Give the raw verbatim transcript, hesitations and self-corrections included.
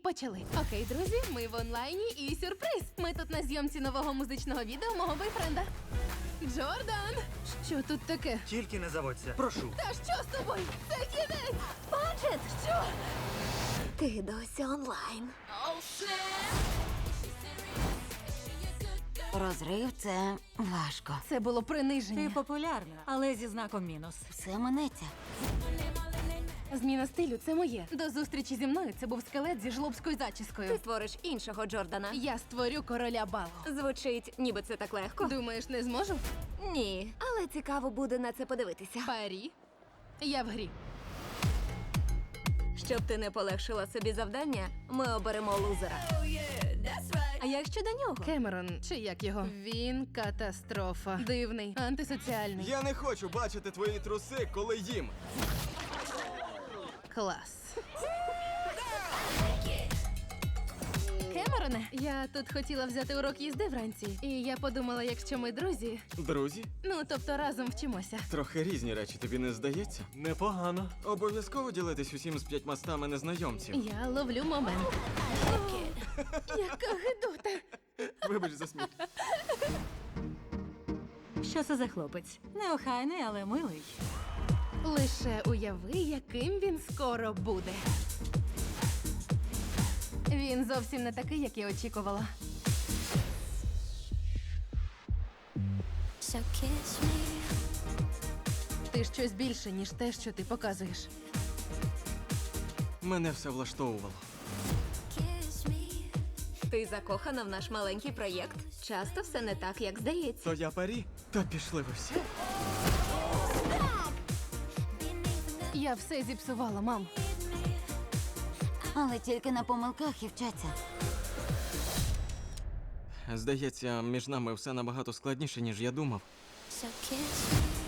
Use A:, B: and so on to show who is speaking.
A: почали. Окей, друзі, ми в онлайні і сюрприз. Ми тут на зйомці нового музичного відео мого бойфренда. Джордан! Що тут таке?
B: Тільки не заводься. Прошу.
A: Та що з тобою? Це кінець! Баджет! Що?
C: Ти досі онлайн. Розрив – це важко.
A: Це було приниження.
D: Ти популярна, але зі знаком мінус.
C: Все минеться.
A: Зміна стилю – це моє. До зустрічі зі мною це був скелет зі жлобською зачіскою.
C: Ти створиш іншого Джордана.
A: Я створю короля балу.
C: Звучить, ніби це так легко.
A: Думаєш, не зможу?
C: Ні, але цікаво буде на це подивитися.
A: Парі. Я в грі.
C: Щоб ти не полегшила собі завдання, ми оберемо лузера. А як щодо нього?
A: Кемерон, чи як його? Він катастрофа. Дивний, антисоціальний.
E: Я не хочу бачити твої труси, коли їм.
A: Клас. Кемероне, я тут хотіла взяти урок їзди вранці. І я подумала, якщо ми друзі,
E: Друзі,
A: ну тобто разом вчимося.
E: трохи різні речі, тобі не здається?
B: Непогано.
E: Обов'язково ділитись усім з п'ятьма стами незнайомців.
A: Я ловлю момент. Яка гидота.
E: Вибач за сміх.
D: Що це за хлопець? Неохайний, але милий.
A: Лише уяви, яким він скоро буде. Він зовсім не такий, як я очікувала.
F: So kiss me,
A: Ти щось більше, ніж те, що ти показуєш.
E: Мене все влаштовувало.
F: kiss me.
C: Ти закохана в наш маленький проєкт. Часто все не так, як здається.
E: То я парі, та пішли ви всі.
A: Я все зіпсувала, мам.
C: Але тільки на помилках і вчаться.
E: Здається, між нами все набагато складніше, ніж я думав.
F: So kiss me.